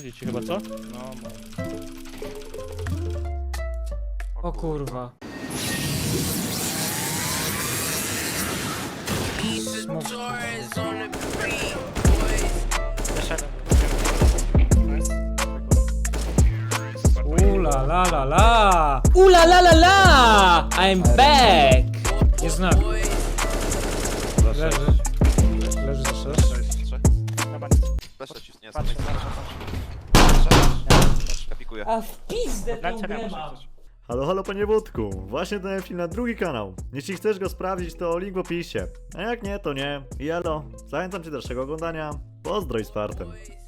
Będzie ci chyba, co? No, O kurwa. Ula la la la! Ula la la la! I'm back! Nie znam. Leży. Leży za 6. Flasha cisnie, patrzę, kapikuję. A w pizdę tą Dajcie grę nam mam. Halo, halo panie Wódku, właśnie dałem film na drugi kanał. Jeśli chcesz go sprawdzić, to link w opisie. A jak nie, to nie. I elo, zachęcam cię do dalszego oglądania. Pozdro i z fartem.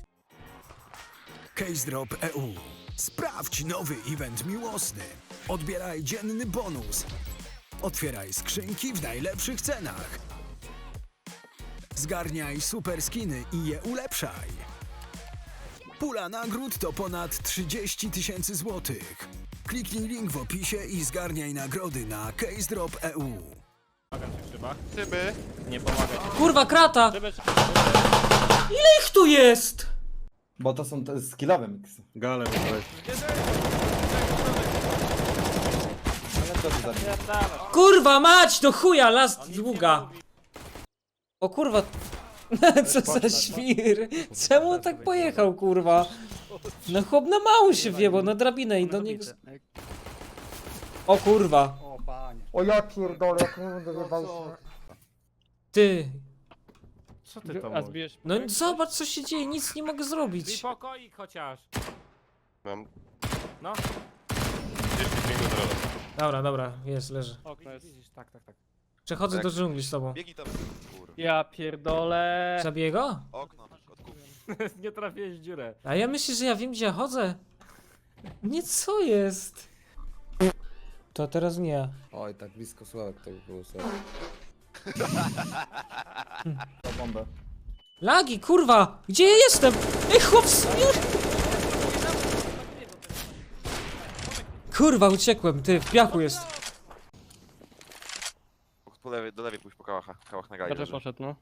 Case Drop EU. Sprawdź nowy event miłosny. Odbieraj dzienny bonus. Otwieraj skrzynki w najlepszych cenach. Zgarniaj super skiny i je ulepszaj. Pula nagród to ponad 30 000 złotych. Kliknij link w opisie i zgarniaj nagrody na Case Drop EU. Tyby. nie pomagaj. Kurwa krata! Żeby... Ile ich tu jest? Bo to są te skillowe miksy. Galem weź. Ale co ty za nich? Kurwa mać, do chuja, last długa. O kurwa. Co za świr. Czemu on tak pojechał, kurwa? No chłop na mało się wjebał, na drabinę i do niego... O kurwa. O ja pierdolę, jak mu wyjebał się. Ty. Co ty tam A zbijesz... No zobacz co się dzieje, nic nie mogę zrobić. pokoik chociaż. Mam No, 10 minut rola. Dobra, dobra, jest, leży. okno jest. Tak. Przechodzę Tak. do dżungli z tobą. Biegnij tam. Kurwa. Ja pierdolę. Zabiję go? Okno, kotku. Nie trafiłeś w dziurę. A ja myślę, że ja wiem gdzie ja chodzę. Nie, co jest? To teraz nie ja. Oj, tak blisko Sławek to by było sobie. To bombę. Lagi, kurwa! Gdzie ja jestem? Ej, chłop, kurwa, uciekłem, ty, w piachu jest. Po lewej, do lewej pójść po kałach na gali. Chociaż leży. poszedł, no.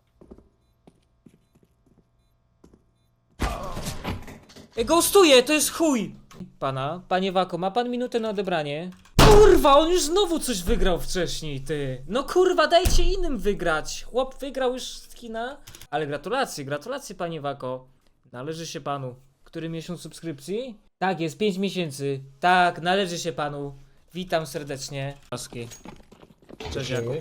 Ej, ghostuję, to jest chuj! Panie Wako, ma pan minutę na odebranie? Kurwa, on już znowu coś wygrał wcześniej, ty. No kurwa, dajcie innym wygrać. Chłop wygrał już skina. Ale gratulacje panie Wako. Należy się panu. Który miesiąc subskrypcji? Tak, jest 5 miesięcy. Tak, należy się panu. Witam serdecznie. Cześć Jakub.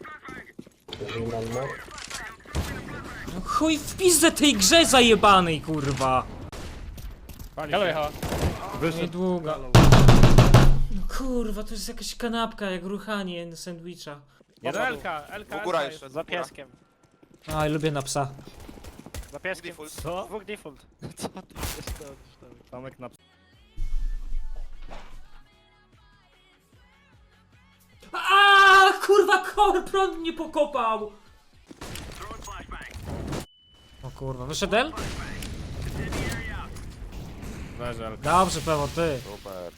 No chuj w pizdę tej grze zajebanej, kurwa. Galo jechała. Niedługo. No kurwa, to jest jakaś kanapka, jak ruchanie sandwicha. Jeden Elka Góra jest jeszcze, za góra. pieskiem. Aj, lubię na psa. Za pieskiem. Default. Co? Dwóch default. Co ty Tomek na... A kurwa, prąd mnie pokopał! O kurwa, wyszedł El? Leżel. Dobrze, Pewo, ty. Super.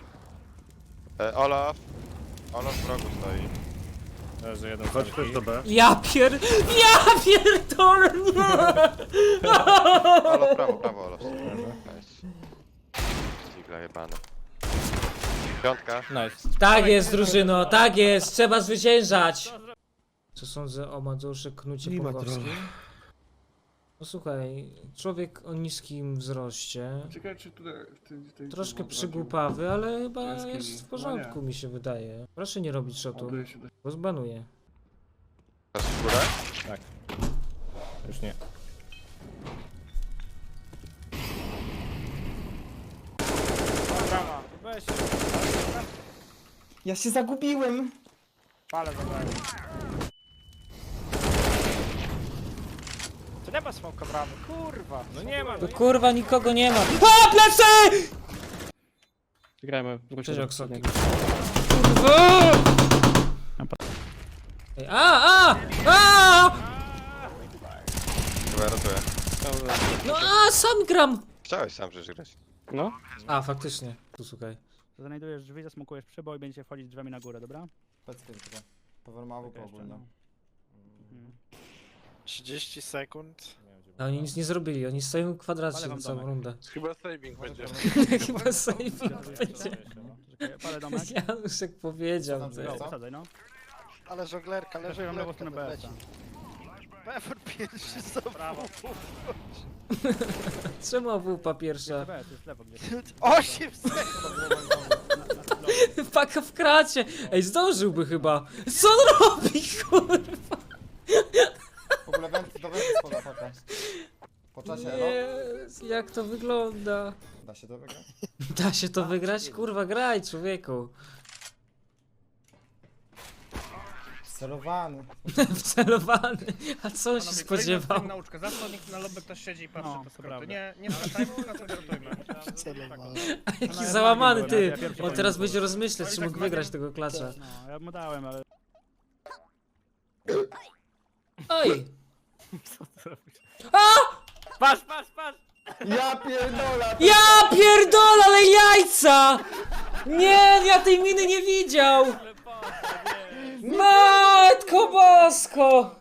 Olaf. Olaf w rogu stoi. Leży jeden. Chodź też do B. Ja pierdolę, nie! Olaf, prawo, Olaf. Nice. Zigla jebane. Piątka. Nice. Tak jest, drużyno, tak jest, trzeba zwyciężać! Co sądzę o Madzuszy Knucie Pongowskim? No słuchaj, człowiek o niskim wzroście, Ciekawe czy tutaj troszkę przygłupawy, ale chyba jest w porządku, mi się wydaje. Proszę nie robić shotu, bo zbanuję. Patrz w górę. Już nie. Brama. Weź. Ja się zagubiłem! Palę zabrałem. To nie ma smoka bramy, kurwa. No nie ma, no Tu nie kurwa nikogo nie ma. A, plecy! Grajmy. Cześć, Oksoki. Kurwa! Ej, a! Chyba ratuję. No sam gram! Chciałeś sam przecież grać. No. A, faktycznie. Tu słuchaj. Znajdujesz drzwi, zasmokujesz przyboj i będziecie wchodzić drzwiami na górę, dobra? Peckie tylko. Powermawu po ogólnie. 30 sekund. No, oni nic nie zrobili, oni stoją w kwadracie Ale na wam całą domek. rundę. Chyba saving będzie. Chyba saving będzie. Czekaj, palę domek. Januszek powiedział, ty. Go, wysadzaj, no. Ale żonglerka, leży Leżę ją lewą stronę BS. Pewór pierwszy znowu. Brawo. Czemu AWP pierwsza? BS, jest lewo gdzieś. 8 sekund. Paka w kracie! Ej, zdążyłby chyba. Co on robi, kurwa? W ogóle do wenty spada paka. Po czasie, elo? Jezu, jak to wygląda? Da się to wygrać? Da się to wygrać? Kurwa, graj, człowieku. Celowany. Wcelowany. A co on się spodziewał? Nauczkę. Zawsze nikt na lobby ktoś siedzi i patrzy No, po to skróty. prawda. Nie skatajmy, tylko koncentrujmy. A jaki No, ja załamany, byłem, ty. ja pierwszy On teraz powinien będzie rozmyślać, czy tak mógł wygrać tego klacza. No, ja mu dałem, ale... Oj! Patrz, patrz, patrz. Ja pierdolę! Ja pierdolę, ale jajca! Nie, ja tej miny nie widział! Matko bosko!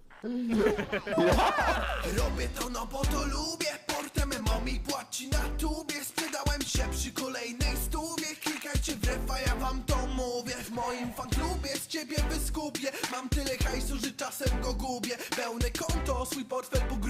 Robię to no bo to lubię. Portem mi płaci na tubie. Sprzedałem się przy kolejnej stówie. Klikajcie w refa, ja wam to mówię. W moim fanklubie z ciebie wyskupię. Mam tyle hajsu, że czasem go gubię. Pełne konto, swój portfel pogrubię.